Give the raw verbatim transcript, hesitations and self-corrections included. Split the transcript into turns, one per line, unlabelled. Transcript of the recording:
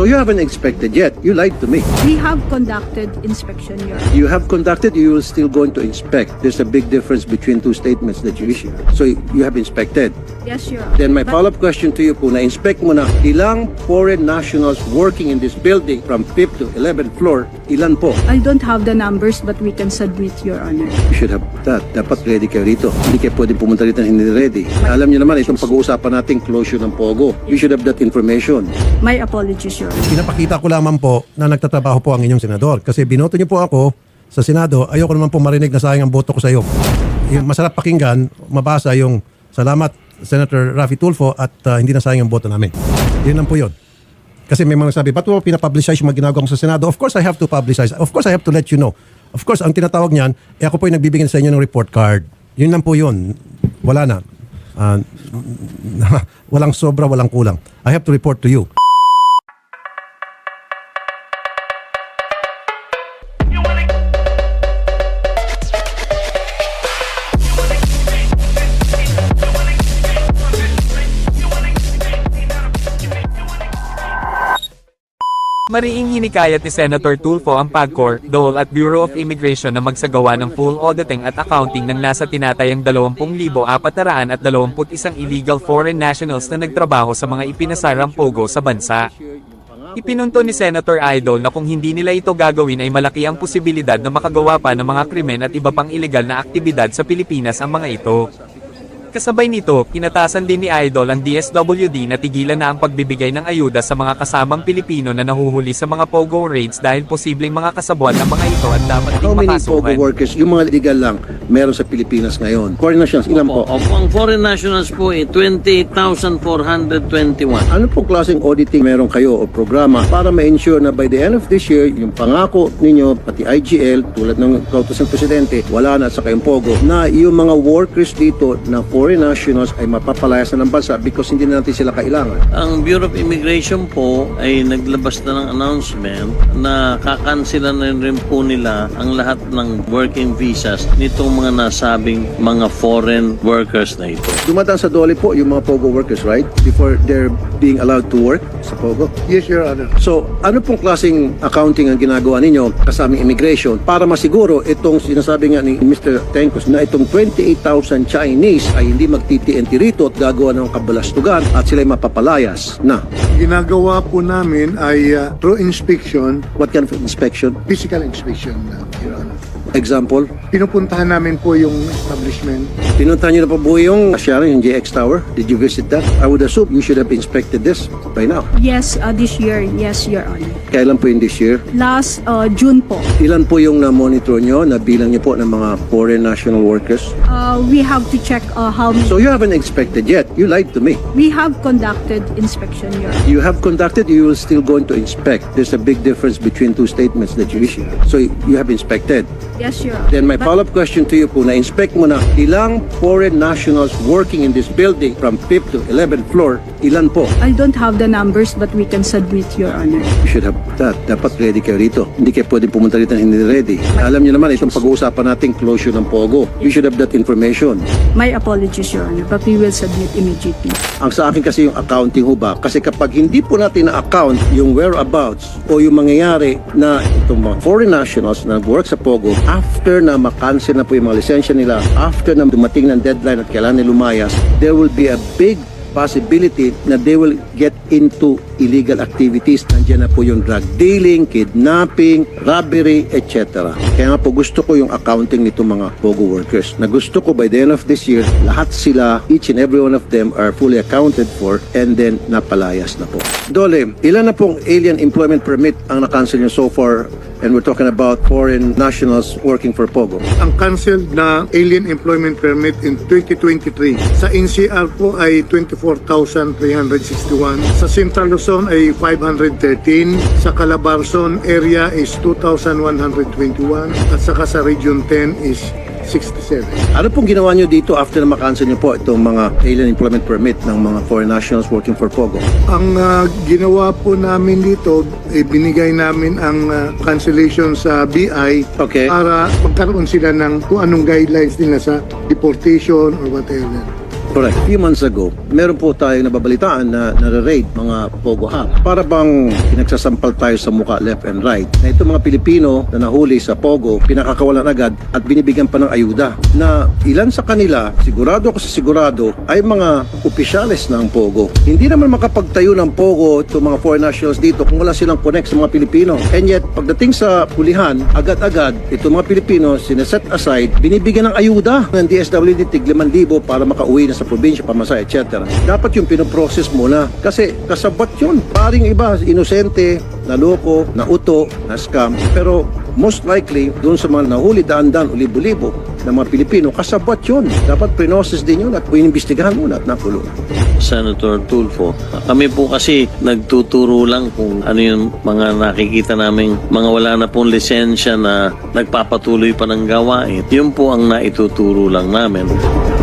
So you haven't inspected yet. You lied to me.
We have conducted inspection, Your Honor.
You have conducted, you will still going to inspect. There's a big difference between two statements that you issue. So you have inspected.
Yes, Your Honor.
Then my
But
follow-up question to you po, na-inspect mo na ilang foreign nationals working in this building from fifth to eleventh floor, ilan po?
I don't have the numbers, but we can submit, Your Honor.
You should have that. Dapat ready kayo rito. Hindi kayo pwede pumunta rito na hindi ready. Alam niyo naman, itong pag-uusapan natin closure ng Pogo. You should have that information.
My apologies, Your Honor.
Pinapakita ko lamang po na nagtatrabaho po ang inyong senador. Kasi binoto niyo po ako sa Senado, ayoko naman po marinig na sayang ang boto ko sa iyo. Yung masarap pakinggan, mabasa yung salamat Senator Raffy Tulfo at uh, hindi na sayang ang boto namin. Yun lang po yun. Kasi may mga nagsabi, ba't mo pinapublicize yung mga ginagawa ko sa Senado? Of course I have to publicize. Of course I have to let you know. Of course, ang tinatawag niyan, eh ako po yung nagbibigay sa inyo ng report card. Yun lang po yun. Wala na. Uh, walang sobra, walang kulang. I have to report to you.
Mariing hinikayat ni Senator Tulfo ang PAGCOR, DOL at Bureau of Immigration na magsagawa ng full auditing at accounting ng nasa tinatayang dalawampu libo apat na dalawampu't isang illegal foreign nationals na nagtrabaho sa mga ipinasarang pogo sa bansa. Ipinunto ni Senator Idol na kung hindi nila ito gagawin ay malaki ang posibilidad na makagawa pa ng mga krimen at iba pang ilegal na aktibidad sa Pilipinas ang mga ito. Kasabay nito, kinatasan din ni Idol ang D S W D na tigilan na ang pagbibigay ng ayuda sa mga kasamang Pilipino na nahuhuli sa mga pogo raids dahil posibleng mga kasabwat ng mga ito at dapat
How
ding
many Pogo
makasuhan.
workers, yung mga legal lang, meron sa Pilipinas ngayon? Foreign nationals, ilan po?
Opo, ang foreign nationals po ay twenty-eight thousand four hundred twenty-one.
Ano pong klaseng auditing meron kayo o programa para ma-ensure na by the end of this year, yung pangako ninyo, pati I G L, tulad ng kautos ng Presidente, wala na at saka yung Pogo, na yung mga workers dito na foreign nationals ay mapapalayas na ng bansa because hindi na natin sila kailangan.
Ang Bureau of Immigration po ay naglabas na ng announcement na kakansela na rin po nila ang lahat ng working visas nitong mga nasabing mga foreign workers na ito.
Dumadaan sa dole po yung mga Pogo workers, right? Before they're being allowed to work sa Pogo.
Yes, Your Honor.
So, ano pong klaseng accounting ang ginagawa ninyo kasamang immigration para masiguro itong sinasabi nga ni Mister Tencos na itong twenty-eight thousand Chinese ay hindi magti-T N T rito at gagawa ng kabalastugan at sila'y mapapalayas na.
Ginagawa po namin ay uh, through inspection,
What kind of inspection?
physical inspection, uh, Your Honor.
Example,
Pinupuntahan namin po yung establishment.
pinuntahan nyo na po po yung Sharon, yung J X Tower. Did you visit that? I would assume you should have inspected this by now.
Yes, uh, this year, yes, Your Honor.
Kailan po yung this year?
Last uh, June po,
Ilan po yung na-monitor nyo, na bilang nyo po ng mga foreign national workers?
uh, we have to check uh, how
So you haven't inspected yet. You lied to me.
we have conducted inspection, Your Honor.
You have conducted, you will still going to inspect. There's a big difference between two statements that you issue. So you have inspected.
Yes, Your Honor.
Then my
But
follow-up question to you po, na-inspect mo na ilang foreign nationals working in this building from fifth to eleventh floor, ilan po?
I don't have the numbers, but we can submit, Your Honor.
You should have that. Dapat ready kayo rito. Hindi kayo pwede pumunta rito na hindi ready. Alam niyo naman, itong pag-uusapan natin closure ng Pogo. You should have that information.
My apologies, Your Honor, but we will submit immediately.
Ang sa akin kasi yung accounting ho ba? Kasi kapag hindi po natin na-account yung whereabouts o yung mangyayari na itong mga foreign nationals na nag-work sa Pogo, after na makancel na po yung mga lisensya nila, after na dumating ng deadline at kailangan nila lumayas, there will be a big possibility na they will get into illegal activities. Nandiyan na po yung drug dealing, kidnapping, robbery, et cetera. Kaya nga po gusto ko yung accounting nito mga Pogo workers. Na gusto ko by the end of this year, lahat sila, each and every one of them are fully accounted for and then napalayas na po. Dole, ilan na pong alien employment permit ang na-cancel nyo so far? And we're talking about foreign nationals working for Pogo.
Ang canceled na alien employment permit in twenty twenty-three. Sa N C R po ay twenty-four thousand three hundred sixty-one. Sa Central Luzon ay five hundred thirteen. Sa Calabarzon area is two thousand one hundred twenty-one. At saka sa Region ten is sixty-seven.
Ano pong ginawa nyo dito after na makancel nyo po itong mga alien employment permit ng mga foreign nationals working for Pogo?
Ang uh, ginawa po namin dito, eh, binigay namin ang uh, cancellation sa B I
Okay.
para magkaroon sila ng kung anong guidelines nila sa deportation or whatever.
Correct. Few months ago, meron po tayong nababalitaan na nare-raid mga Pogo Hub. Para bang pinagsasampal tayo sa muka left and right. Na itong mga Pilipino na nahuli sa Pogo, pinakakawalan agad at binibigyan pa ng ayuda. Na ilan sa kanila, sigurado ako sa sigurado, ay mga opisyales ng Pogo. Hindi naman makapagtayo ng Pogo itong mga foreign nationals dito kung wala silang connect sa mga Pilipino. And yet, pagdating sa pulihan, agad-agad, itong mga Pilipino, sineset aside, binibigyan ng ayuda ng D S W D tig limang libo para makauwi na sa probinsya, pamasa, et cetera. Dapat yung pinoprocess muna. Kasi kasabot yun. Paring iba, inosente, naloko, nauto, na scam. Pero most likely, doon sa mga nahuli daan-daan o libo-libo ng mga Pilipino, kasabot yun. Dapat prinosis din yun at iimbestigahan muna at nakulong.
Senator Tulfo, kami po kasi nagtuturo lang kung ano yung mga nakikita naming mga wala na pong lisensya na nagpapatuloy pa ng gawain. Yun po ang naituturo lang namin.